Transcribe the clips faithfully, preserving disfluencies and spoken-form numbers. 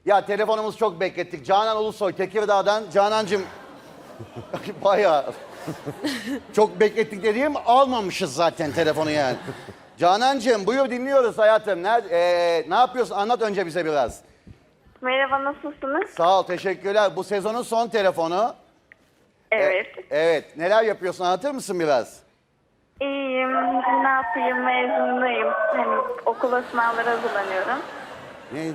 Ya telefonumuz çok beklettik. Canan Ulusoy Tekirdağ'dan. Canancığım bayağı çok beklettik dediğim almamışız zaten telefonu yani. Canancığım buyur dinliyoruz hayatım. Ne, ee, ne yapıyorsun? Anlat önce bize biraz. Merhaba, nasılsınız? Sağ ol, teşekkürler. Bu sezonun son telefonu. Evet. E- evet. Neler yapıyorsun? Anlatır mısın biraz? İyiyim. Ne yapayım? Mezundayım. Hani okula sınavlara hazırlanıyorum. Neydi?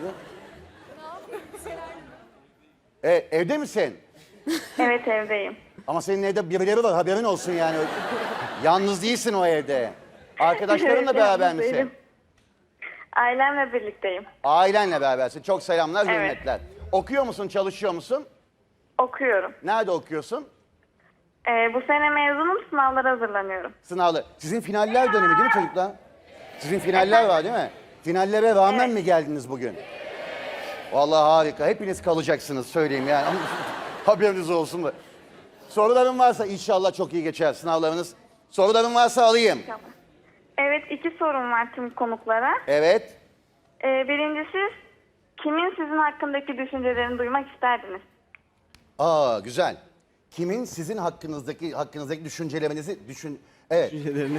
E, evde misin? Evet, evdeyim. Ama senin evde birileri var, haberin olsun yani. Yalnız değilsin o evde. Arkadaşlarınla Evet, beraber yalnız misin? değilim. Ailemle birlikteyim. Ailenle berabersin. Çok selamlar, Evet. hürmetler. Okuyor musun, çalışıyor musun? Okuyorum. Nerede okuyorsun? Ee, bu sene mezunum. Sınavlara hazırlanıyorum. Sınavlı. Sizin finaller dönemi değil mi çocuklar? Sizin finaller var değil mi? Finallere rağmen Evet. mi geldiniz bugün? Vallahi harika. Hepiniz kalacaksınız söyleyeyim yani. Haberiniz olsun da. Soruların varsa inşallah çok iyi geçer sınavlarınız. Soruların varsa alayım. Tamam. Evet, iki sorum var tüm konuklara. Evet. Ee, birincisi, kimin sizin hakkındaki düşüncelerini duymak isterdiniz? Aa güzel. Kimin sizin hakkınızdaki hakkınızdaki düşüncelerinizi düşün... Evet. Düşüncelerini.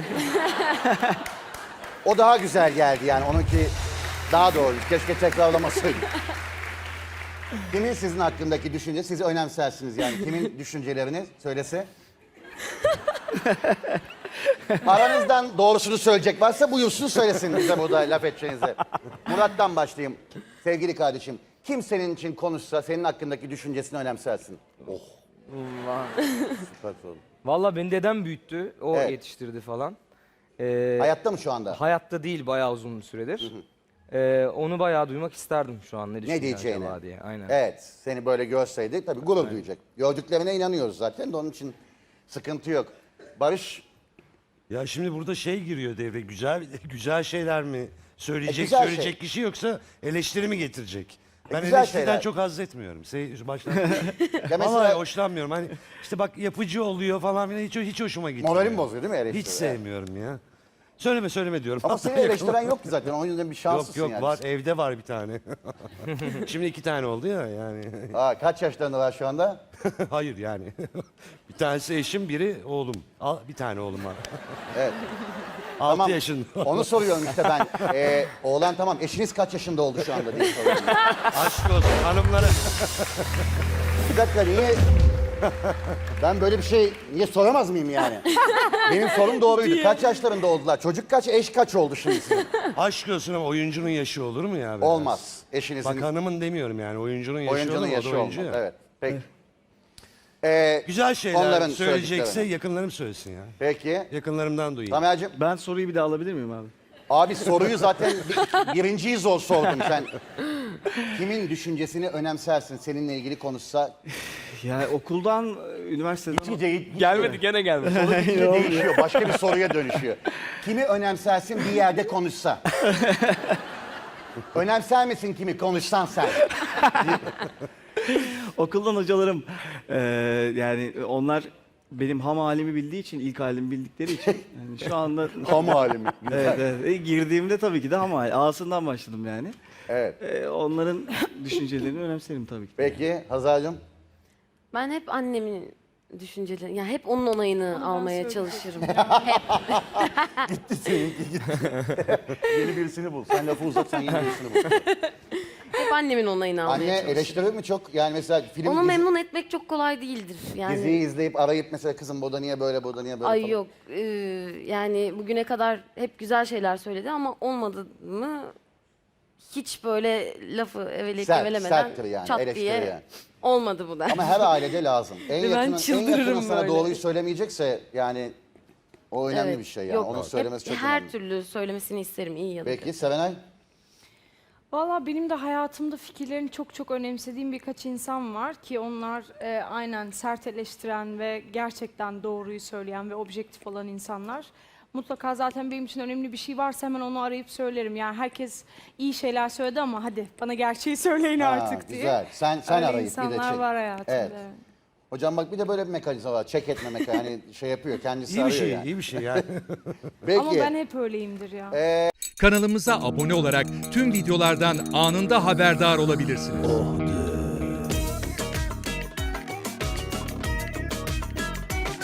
O daha güzel geldi yani. Onunki daha doğru. Keşke tekrarlamasaydım. Kimin sizin hakkındaki düşünce, sizi önemsersiniz yani. Kimin düşüncelerini söylese. Aranızdan doğrusunu söyleyecek varsa buyursun söylesin bize burada laf edeceğinize. Murat'tan başlayayım. Sevgili kardeşim, kim senin için konuşsa senin hakkındaki düşüncesini önemsersin. Oh. Süper soru. Valla beni dedem büyüttü. O Evet. yetiştirdi falan. Ee, Hayatta mı şu anda? hayatta değil bayağı uzun süredir. Ee, onu bayağı duymak isterdim şu an. Ne, düşünüyor diyeceğini. acaba diye. Aynen. Evet, seni böyle görseydi tabii gurur duyacak. Gördüklerine inanıyoruz zaten de onun için sıkıntı yok. Barış, Ya şimdi burada şey giriyor devre. Güzel güzel şeyler mi söyleyecek E, güzel söyleyecek şey. kişi yoksa eleştiri mi getirecek? Ben güzel eleştiriden şeyler. çok haz etmiyorum. Se- Baştan ya Vallahi mesela hoşlanmıyorum. Hani işte bak yapıcı oluyor falan filan hiç hiç hoşuma gitmiyor. moralim bozuyor değil mi eleştiri? Hiç sevmiyorum ya. Söyleme söyleme diyorum. Ama seni eleştiren yok ki zaten. O yüzden bir şanslısın Yok yok yani. var evde var bir tane. Şimdi iki tane oldu ya yani. Aa, kaç yaşlarında var şu anda? Hayır yani. Bir tanesi eşim biri oğlum. Al, bir tane oğlum var. Evet. altı Tamam. yaşında. Onu soruyorum işte ben. Ee, oğlan tamam. Eşiniz kaç yaşında oldu şu anda diye soruyorum. Aşk olsun hanımlara. Bir dakika niye... Ben böyle bir şey niye soramaz mıyım yani? Benim sorum doğruydu. Kaç yaşlarında oldular? Çocuk kaç, eş kaç oldu şimdi sizin? Aşk olsun ama oyuncunun yaşı olur mu ya? Olmaz. Eşinizin, Bak hanımın demiyorum yani oyuncunun yaşı oyuncunun olur mu? O da yaşı olmaz. oyuncu ya. Evet. Peki. Ee, Güzel şeyler Onların söyleyecekse söylediklerini. yakınlarım söylesin ya. peki. Yakınlarımdan duyayım. Tamer'cim, Ben soruyu bir daha alabilir miyim abi? abi soruyu zaten bir- birinciyi zor sordum sen. Kimin düşüncesini önemsersin seninle ilgili konuşsa? Yani okuldan, üniversiteden... Gitgide git- Gelmedi gene gelmedi. gitgide değişiyor. Başka bir soruya dönüşüyor. Kimi önemsersin bir yerde konuşsa? Önemser misin kimi konuşsan sen? Okuldan hocalarım, eee, yani onlar benim ham halimi bildiği için, ilk halimi bildikleri için yani şu anda... Ham halimi. Evet, evet. E, girdiğimde tabii ki de ham hali. A'sından başladım yani. Evet. E, onların düşüncelerini önemserim tabii ki. Peki Hazal'cığım? Ben hep annemin düşünceleri, yani hep onun onayını almaya çalışırım. Yeni birisini bul. Sen lafı uzat, sen yeni birisini bul. Hep annemin onayını almaya Anne çalışırım. eleştirir mi çok? Yani mesela film Onu dizi- memnun etmek çok kolay değildir. Yani diziyi izleyip arayıp mesela kızım burada niye böyle, burada niye böyle ay falan. yok. Ee, yani bugüne kadar hep güzel şeyler söyledi ama olmadı mı hiç böyle lafı evelek Sert, evelemeden serttir yani, çat eleştiri diye yani. olmadı bu der. Ama her ailede lazım. En Ben yakının, en çıldırırım yakının sana böyle. doğruyu söylemeyecekse yani o önemli Evet, bir şey yani. yok. Onu Hep söylemesi çok her önemli. türlü söylemesini isterim iyi ya da kötü. Peki Serenay? Valla benim de hayatımda fikirlerini çok çok önemsediğim birkaç insan var ki onlar e, aynen sert eleştiren ve gerçekten doğruyu söyleyen ve objektif olan insanlar. Mutlaka zaten benim için önemli bir şey varsa hemen onu arayıp söylerim. Yani herkes iyi şeyler söyledi ama hadi bana gerçeği söyleyin Ha, artık diye. güzel. Sen sen Öyle arayıp bir de insanlar çek. var hayatımda. Evet. Hocam bak bir de böyle bir mekanizma var. Çek etme mekanizma. Hani şey yapıyor kendisi İyi bir arıyor şey, yani. iyi bir şey yani. Peki. Ama ben hep öyleyimdir ya. Ee, Kanalımıza abone olarak tüm videolardan anında haberdar olabilirsiniz.